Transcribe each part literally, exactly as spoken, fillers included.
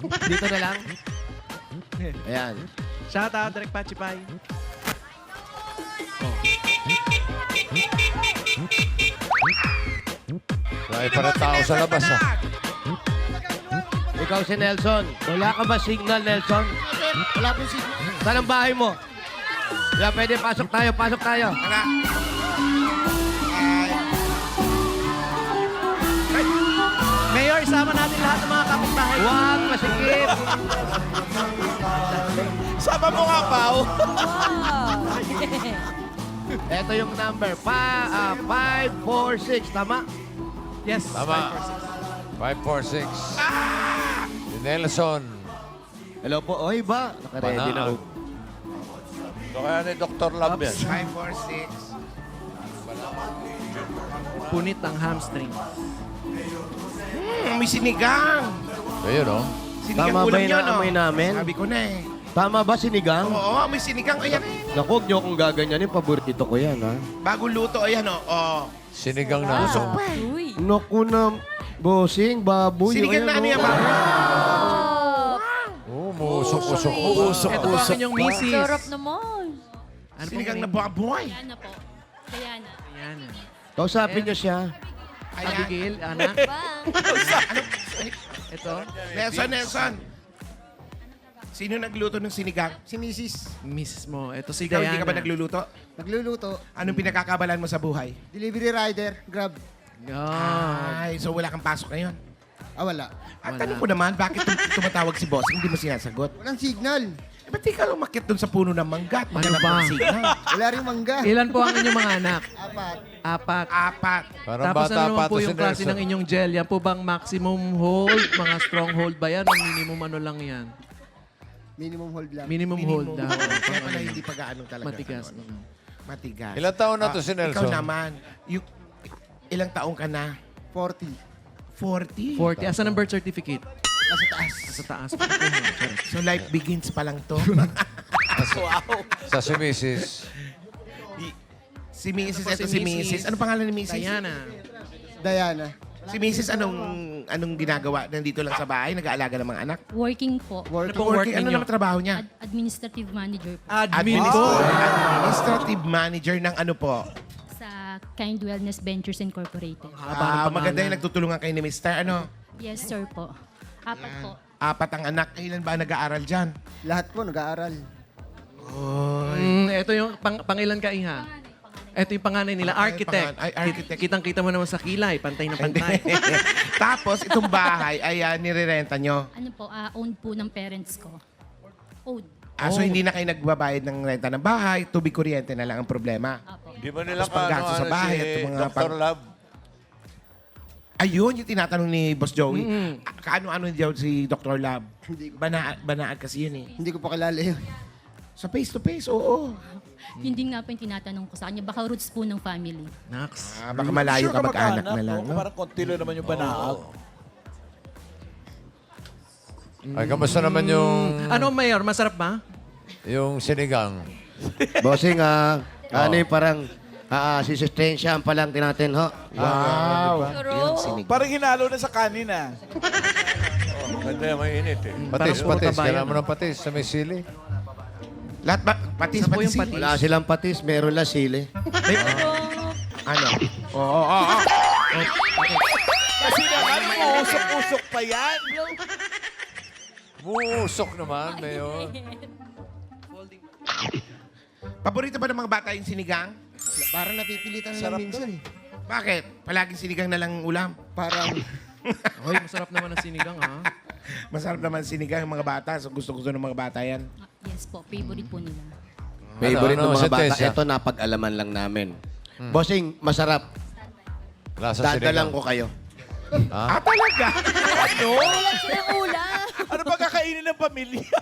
Dito na lang. Ayan. Shout out, Direk Pachipay. May para tao sa labas, ah. Ikaw si Nelson. Wala ka ba signal, Nelson? Wala pong signal. Saan ang bahay mo? Wala, pwede. Pasok tayo, pasok tayo. Wala. Ay. Mayor, isama natin lahat ng mga kapitbahay. Huwag masikip. Sama mo nga, Pao. Ito yung number. Pa, ah, five four six. Tama? Yes. Tama. five four six. Si Nelson. Hello po. Oy ba? Nakaready na Banaan. ako. Ito kaya ni Doctor Lab yan. five four six. Punit ang hamstring. Hmm, may sinigang. Ayun, oh. Sinigang Tama ba ulam yung yun, naamoy oh. namin? Sabi ko na eh. Tama ba, sinigang? Oo, may sinigang. Ayan. Naku, huwag niyo akong gaganyanin. Paborito ko yan, ha? Bagong luto. Ayan, oh. oh. Sinigang na. Usok pa eh. Uy. Naku na, bossing, baboy. Sinigang na ano yan, oh. ba? Oh, muusok-usok. Usok, Ito po ang inyong misis. Sarap naman. Ano pong Sinigang na name? baboy. Diana po. Diana. Ayan. Kausapin niyo siya. Ayan. Abigail, anak. Bang. Ito. Nelson, Nelson. Sino nagluto ng sinigang? Si Missus Miss mo. Ito si Ikaw, Diana. hindi ka ba nagluluto? Nagluluto. Anong pinakakabalan mo sa buhay? Delivery rider. Grab. Ah. Ay, so wala kang pasok ngayon. Ah, wala. At Wala. tanong ko naman, bakit tum- tumatawag si boss? Hindi mo sinasagot. Walang signal. Eh, ba't di ka umakyat dun sa puno ng mangga at Ano maghanap ba? ng signal? Wala rin mangga. Ilan po ang inyong mga anak? Apat. Apat. Apat. Parang Tapos bata ano naman pa po to si yung klase Nelson. ng inyong gel? Yan po bang maximum hold? Mga strong hold ba yan? O minimum ano lang yan? Minimum hold lang. Minimum, hold Minimum. daw. Kaya pala hindi pa gaano talaga. Matigas. ano, ano. Matigas. Ilang taon na to Ah, si Nelson? Ikaw naman. You, ilang taong ka na? forty. forty. forty. Asan ang birth certificate? Nasa taas. Sa taas. Correct. So life begins pa lang to. Sa si Missus si Missus, Ako ito si si Missus. Missus. Ano pangalan ni Missus? Diana. Diana. Si Missus, anong anong ginagawa? Nandito lang sa bahay, nag-aalaga ng mga anak? Working po. Ano Work. pong work Working, ano ninyo? naman trabaho niya? Ad- administrative manager po. Admin Administ- po. Administrative manager ng ano po? Sa Kind Wellness Ventures Incorporated. Haba ng Ah, pangalan. maganda yung nagtutulungan kayo ni Mister Ano? Yes, sir po. Apat po. Apat ang anak. Ilan ba ang nag-aaral dyan? Lahat po nag-aaral. Mm, ito yung pang, pangilan ka, Iha? Ito yung panganay nila, Ay, architect. pangan- ay, architect. Kit- Kitang-kita mo naman sa kilay, pantay na pantay. Tapos, itong bahay ay uh, nirerenta nyo. Ano po, ah, owned po ng parents ko. Owned. Ah, so, hindi na kayo nagbabayad ng renta ng bahay. Tubig kuryente na lang ang problema. Apo. Di ba nila Tapos panggastos sa bahay at si mga Doctor pang- Lab? Ayun, yung tinatanong ni Boss Joey. Mm-mm. Ah, Kaano-ano daw si Doctor Lab? Bana banaan kasi yun eh. Hindi ko pa kilala yun. Sa face-to-face, oo. Yun din nga po yung tinatanong ko sa kanya. Baka roots po ng family. Nax. Ah, baka malayo ka mag-anak na lang. No? Parang konti lang naman yung banaag. Ay, kamusta naman yung, Ano, Mayor? Masarap ba? yung sinigang? Bossing, ah, ano yung parang ah, sisistensyahan pa lang tinatin, ho? Wow. Pero, Parang hinalo na sa kanin ah. Ganda, mainit eh. Parang Patis, puro patis. kabayan, Kailangan mo ah. ng patis sa may sili. Lahat ba? Patis, Isa po patis. yung patis. Wala silang patis, meron lang sili. Ano? Oo, oo, oo. Kasi naman, uusok-usok pa yan. Muusok naman, Mayor. Paborito ba ng mga bata yung sinigang? Parang napipilitan na lang minsan eh. Bakit? Palaging sinigang na lang ulam. Parang Hoy, masarap naman ang sinigang, ha? Masarap naman sinigang ng mga bata. So gusto-gusto ng mga bata yan. Ah, yes po, favorite po nila. Favorite Ano, ng ano, mga bata. sentensya? Ito, napag-alaman lang namin. Bossing, masarap. Lasa Dadalang sinigang. ko kayo. Ah, talaga? Ano? ulam silang ulam. Ano ba kakainin ng pamilya?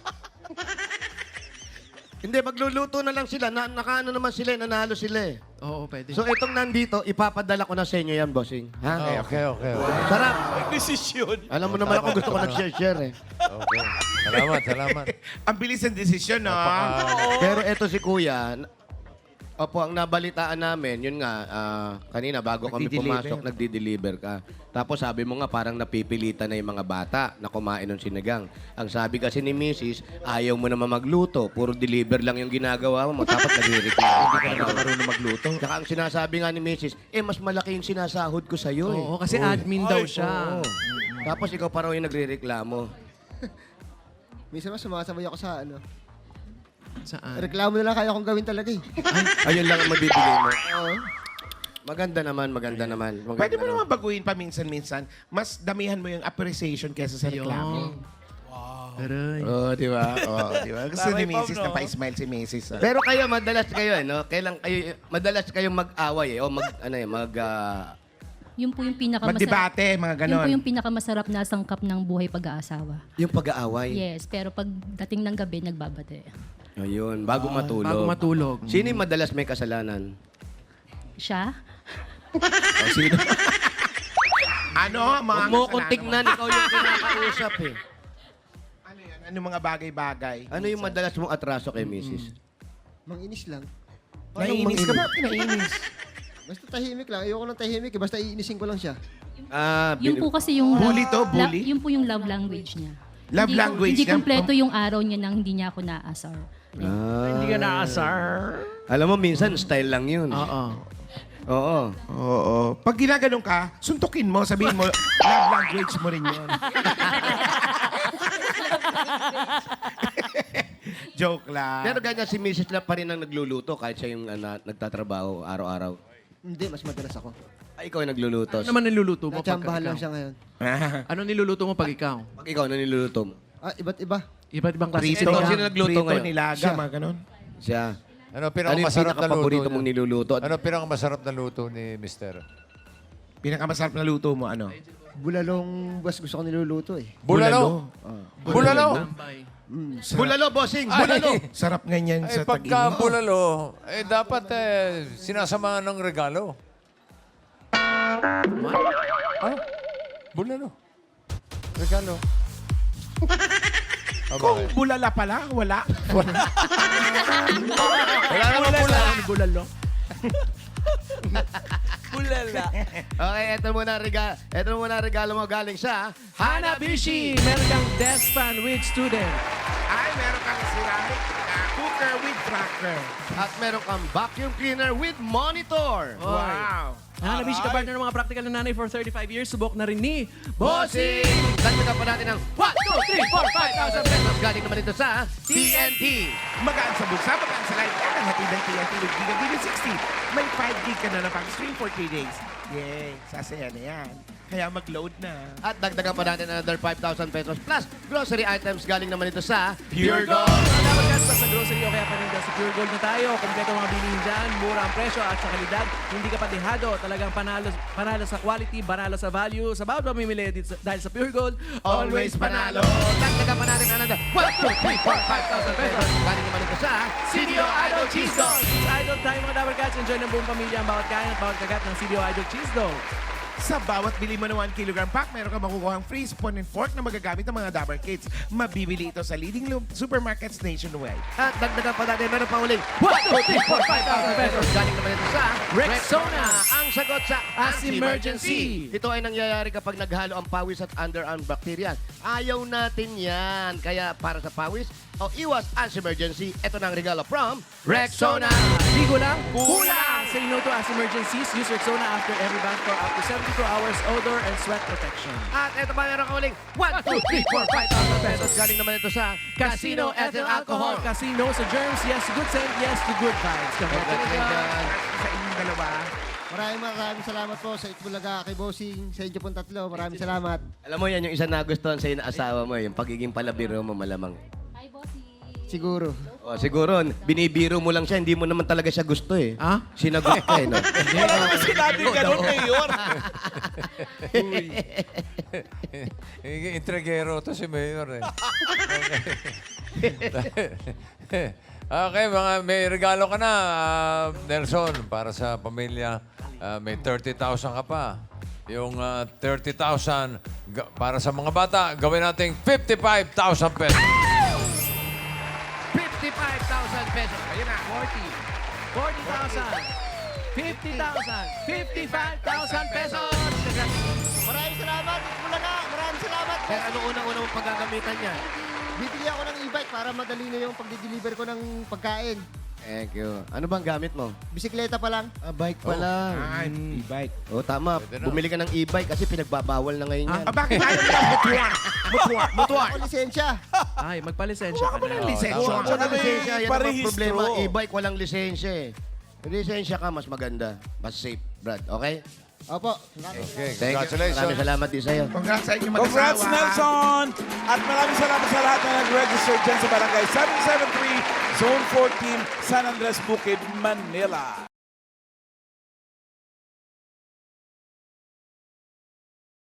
Hindi, magluluto na lang sila. Na, nakaano naman sila, eh, nanalo sila eh. Oo, pwede. So, itong nandito, ipapadala ko na sa inyo yan, bossing. Ha? Ah, okay, okay. Okay. Sarap. Desisyon. Alam mo naman ako gusto ko nag-share-share eh. Okay. Salamat, salamat. Ang bilis ng desisyon, no? Pero eto si Kuya, n- Opo, ang nabalitaan namin, yun nga, ah, kanina bago kami Nagdi-deliver. pumasok, nagdi-deliver ka. Tapos sabi mo nga, parang napipilitan na yung mga bata na kumain ng sinigang. Ang sabi kasi ni missus, ayaw mo naman magluto. Puro deliver lang yung ginagawa mo. Dapat nagre-reklamo ka Hindi na. ka marunong magluto. Tsaka ang sinasabi nga ni missus, eh, mas malaki yung sinasahod ko sa'yo eh. Oo, kasi admin daw siya. Oo. Tapos ikaw pa raw yung nagre-reklamo. Minsan mas sumasabay ako sa ano. Saan? Reklamo na lang kaya akong gawin talaga eh. Ayun lang ang mabibigay mo. Oo. Maganda naman, maganda naman. Maganda Pwede mo naman. naman baguhin pa minsan-minsan. Mas damihan mo yung appreciation kesa sa reklamo. Aray. Oo, di ba? Oo. Di ba? Gusto ni Missus na pa-smile si Missus. ah. Pero kayo, madalas kayo, eh, no? Kailan kayo, madalas kayong mag-away, eh? O mag, ano eh, mag, ah, Yun po yung pinakamasarap. Magdebate, mga Yun ganon. po yung pinakamasarap na sangkap ng buhay pag-aasawa. yung pag-aaway. Yes, pero pag dating ng gabi, nagbabate. Ayun, bago matulog. Bago matulog. Sino yung madalas may kasalanan? Siya? O sino? Ano? Mga Huwag mo kasalanan kong tignan, ikaw yung kinakausap eh. Ano yan? Ano mga bagay-bagay? Ano yung madalas mong atraso kay missus? Manginis lang. Naiinis ka ba? Naiinis. Basta tahimik lang. Ayoko ng tahimik eh. Basta iinisin ko lang siya. Ah, Yun bin- po kasi yung... Bully to, la- bully? yun po yung love language niya. Love Hindi ko- language Hindi niya? kompleto yung araw niya nang hindi niya ako naasar. Ah. Hindi ka naasar. Alam mo, minsan style lang yun. Oo. Oo. Oo. Pag ginaganon ka, suntukin mo, sabihin mo, love language mo rin yun. Joke lang. Pero ganyan si missus lang pa rin ang nagluluto kahit siya yung ah, na- nagtatrabaho araw-araw. Hindi, mas madalas ako. Ay, ikaw yung nagluluto. Ano naman niluluto mo pag Natsambahan lang ikaw? siya ngayon. Ano niluluto mo pag ikaw? Pag ikaw na niluluto mo. Ah, iba't iba. Iba't ibang klase. Prito, Ito, sino nagluto prito, ngayon? nilaga, Siya. mga ganon. Siya. Ano Ano yung pinakamasarap na luto pinaka-paborito niya? mong niluluto? Ano pinakamasarap na luto ni Mister? Pinakamasarap na luto mo, ano? Bulalong bas gusto ko niluluto eh. Bulalo. Bulalo. Tambay. Bulalo, bossing! Bulalo! Sarap ganyan Ay, sa pagka tag-init. bulalo, eh dapat eh, sinasamahan ng regalo. Ano? Bulalo. Regalo. Oh, Kung bakit? bulala pala, wala. Wala. Wala naman bulalo. Bulalo. Bulala. Okay, ito muna ang regalo. Ito muna ang regalo mo galing sa Hanabishi! Meron kang desk fan with student. Ay, meron kang ceramic uh, cooker with cracker. At meron kang vacuum cleaner with monitor. Wow. Hanabishi ka partner ng mga practical na nanay for thirty-five years. Subok na rin ni Bossing! Dagdagan pa natin ng one, two, three, four, five thousand pesos. Galing naman ito sa T N T. Magaan sa bulsa, magaan sa life. At ang hatid ng T N T with Giga Giga sixty. May five gig ka na na pang-stream for three days. Yay! Sasaya na yan. Kaya mag-load na. At dagdagan pa natin another five thousand pesos plus grocery items galing naman ito sa Pure Gold. Mga dapat guys, sa grocery o kaya paninda sa Pure Gold na tayo. Kompleto mga bilihin dyan, mura ang presyo at sa kalidad. Hindi ka patihado. Talagang panalo, panalo sa quality, panalo sa value. Sa bawat mamimili dito sa- dahil sa Pure Gold, Always panalo. Dagdagan pa natin another one, two, three, four, five thousand pesos. Galing naman ito sa C D O Idol Cheese Dog! Sa Idol tayo mga dapat guys, enjoy ng buong pamilya ang bawat kain at bawat kagat ng C D O Idol Cheese Dog. Sa bawat bili mo ng one kilogram pack, meron ka makukuha ang free spoon and fork na magagamit ng mga Dabber Kids. Mabibili ito sa leading lu- supermarkets nationwide. At dagdagan pa natin, meron pa uling one, two, three, four, five thousand pesos. Galing naman ito sa Rexona. Ang sagot sa As As emergency. Ito ay nangyayari kapag naghalo ang pawis at underarm bacteria. Ayaw natin yan. Kaya para sa pawis o iwas as emergency, ito na ang regalo from Rexona. Ligo lang, kulang! Say no to as emergencies. Use Rexona after every bath for up to seventy-two hours odor and sweat protection. At ito pa meron ka uling one, two, three, four, five thousand pesos. Galing naman ito sa Casino Ethyl Alcohol. Casino sa germs, yes to good scent, yes to good vibes. Congratulations. Sa inyong dalawa. Maraming maraming salamat po sa Itbulaga, kay Bossing, sa inyo pong tatlo. Maraming salamat. Alam mo yan, yung isa na gustuhan sa'yo na asawa mo, yung pagiging palabiro mo malamang. Hi, bossy. Siguro. O, siguro, binibiro mo lang siya, hindi mo naman talaga siya gusto eh. Ah? Sinagot ka eh, no? Wala naman sinabi ganun, Mayor. Intrigero to si Mayor eh. Okay, mga may regalo ka na, ah, Nelson, para sa pamilya. Ah, may thirty thousand ka pa. Yung ah, thirty thousand ga- para sa mga bata, gawin nating fifty-five thousand pesos. fifty-five thousand pesos. Ayun na. forty. forty thousand, fifty thousand, fifty-five thousand pesos. Maraming salamat, Itbulaga. Maraming salamat. Pero ano unang-una mong paggagamitan niya? Bibili ako ng e-bike para madali na yung pagde-deliver ko ng pagkain. Thank you. Ano bang gamit mo? Bisikleta pa lang. Ah, bike pa lang. Ah, e-bike. Oh, tama. Pwede na. Bumili ka ng e-bike kasi pinagbabawal na ngayon yan. Ah, bakit ayaw mo ng motor? Motor, motor. Ako lisensya. Ay, magpalisensya ka na. lisensya. tama. Kung walang may lisensya, yan ang mga parehistro. problema. E-bike, walang lisensya eh. May lisensya ka, mas maganda. Mas safe, Brad. Okay? Opo. Okay, Thank you. congratulations. Maraming salamat din sa'yo. Congrats sa inyo mag-asawa. Congrats, Nelson! At maraming salamat sa lahat na nag-register dyan sa Barangay seven seven three, Zone fourteen, San Andres, Bukid, Manila.